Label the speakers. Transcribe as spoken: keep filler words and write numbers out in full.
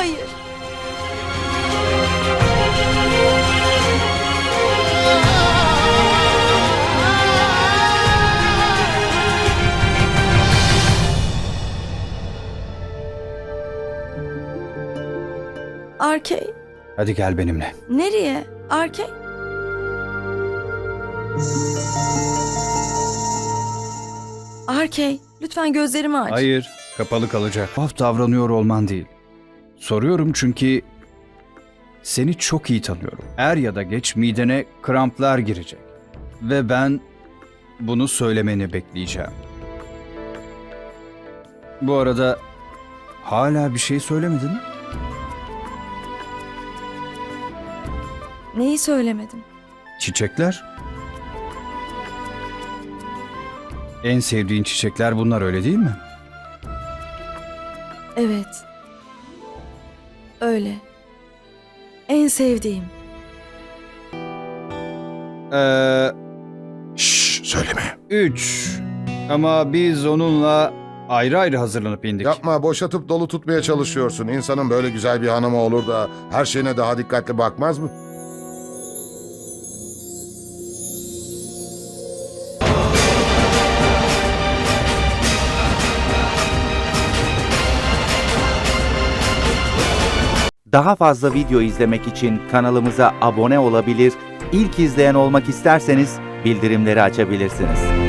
Speaker 1: hayır. Arkey,
Speaker 2: Hadi gel benimle.
Speaker 1: nereye? Arkey? Arkey, lütfen gözlerimi aç.
Speaker 2: Hayır, kapalı kalacak. Tuhaf davranıyor olman değil. Soruyorum çünkü seni çok iyi tanıyorum. Er ya da geç midene kramplar girecek. Ve ben bunu söylemeni bekleyeceğim. Bu arada hala bir şey söylemedin mi?
Speaker 1: Neyi söylemedim?
Speaker 2: Çiçekler. En sevdiğin çiçekler bunlar, öyle değil mi?
Speaker 1: Evet. Öyle. En sevdiğim.
Speaker 2: Ee,
Speaker 3: Şşş söyleme.
Speaker 2: üç. Ama biz onunla ayrı ayrı hazırlanıp indik.
Speaker 3: Yapma, boşatıp dolu tutmaya çalışıyorsun. İnsanın böyle güzel bir hanımı olur da her şeyine daha dikkatli bakmaz mı?
Speaker 4: Daha fazla video izlemek için kanalımıza abone olabilir, ilk izleyen olmak isterseniz bildirimleri açabilirsiniz.